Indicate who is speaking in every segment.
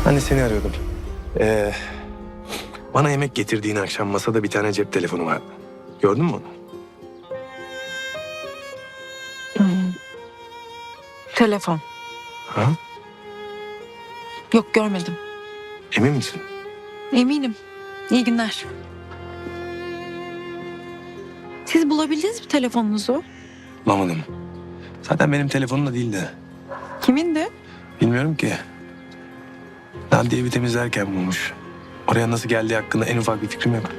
Speaker 1: Ben de seni arıyordum. Ee, Bana yemek getirdiğin akşam masada bir tane cep telefonu vardı. Gördün mü onu?
Speaker 2: Telefon.
Speaker 1: Ha?
Speaker 2: Yok, görmedim.
Speaker 1: Emin misin?
Speaker 2: Eminim. İyi günler. Siz bulabildiniz mi telefonunuzu?
Speaker 1: Bulamadım. Zaten benim telefonum da değildi.
Speaker 2: Kimindi?
Speaker 1: Bilmiyorum ki. Nadiye evi temizlerken bulmuş. Oraya nasıl geldiği hakkında en ufak bir fikrim yok.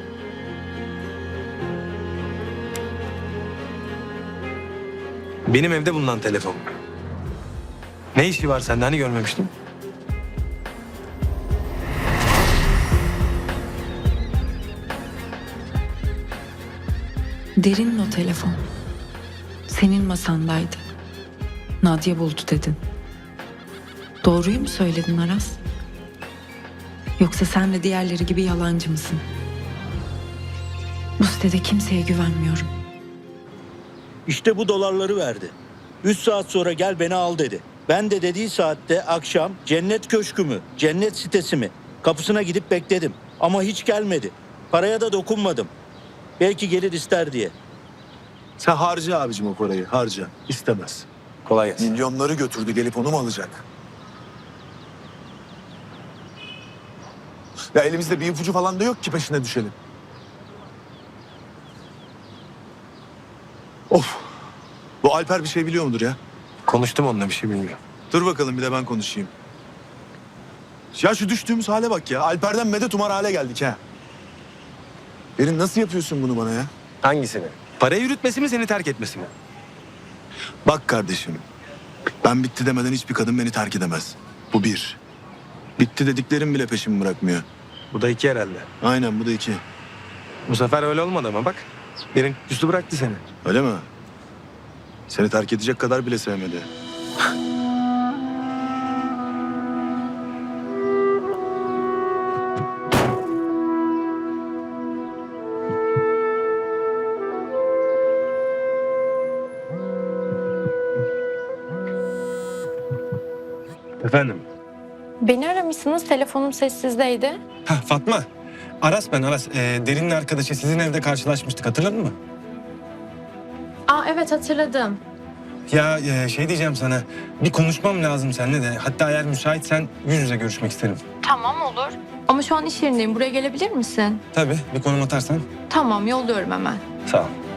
Speaker 1: Benim evde bulunan telefon. Ne işi var sende? Hani görmemiştim?
Speaker 2: Derin'in o telefon. Senin masandaydı. Nadia buldu dedin. Doğruyu mu söyledin Aras? Yoksa sen de diğerleri gibi yalancı mısın? Bu sitede kimseye güvenmiyorum.
Speaker 3: İşte bu dolarları verdi. 3 saat sonra gel beni al dedi. Ben de dediği saatte akşam cennet köşkü mü, cennet sitesi mi? Kapısına gidip bekledim. Ama hiç gelmedi. Paraya da dokunmadım. Belki gelir ister diye.
Speaker 4: Sen harca abicim o parayı, harca. İstemez.
Speaker 1: Kolay gelsin.
Speaker 4: Milyonları götürdü, gelip onu mu alacak? Ya elimizde bir ipucu falan da yok ki peşine düşelim. Of! Bu Alper bir şey biliyor mudur ya?
Speaker 1: Konuştum onunla, bir şey bilmiyorum.
Speaker 4: Dur bakalım bir de ben konuşayım. Ya şu düştüğümüz hale bak ya. Alper'den medet umar hale geldik ha. Derin nasıl yapıyorsun bunu bana ya?
Speaker 1: Hangisini? Parayı yürütmesi mi, seni terk etmesi mi?
Speaker 4: Bak kardeşim. Ben bitti demeden hiçbir kadın beni terk edemez. Bu bir. Bitti dediklerim bile peşimi bırakmıyor.
Speaker 1: Bu da iki herhalde.
Speaker 4: Aynen bu da iki.
Speaker 1: Bu sefer öyle olmadı ama bak. Derin üstü bıraktı seni.
Speaker 4: Öyle mi? Seni terk edecek kadar bile sevmedi.
Speaker 1: Efendim?
Speaker 5: Beni aramışsınız, telefonum sessizdeydi.
Speaker 1: Ha Fatma. Aras ben Aras. Derin'in arkadaşı, sizin evde karşılaşmıştık, hatırladın mı?
Speaker 5: Aa evet, hatırladım.
Speaker 1: Ya şey diyeceğim sana. Bir konuşmam lazım seninle de. Hatta eğer müsaitsen yüz yüze görüşmek isterim.
Speaker 5: Tamam, olur. Ama şu an iş yerindeyim, buraya gelebilir misin?
Speaker 1: Tabii, bir konum atarsan.
Speaker 5: Tamam, yolluyorum hemen.
Speaker 1: Sağ ol.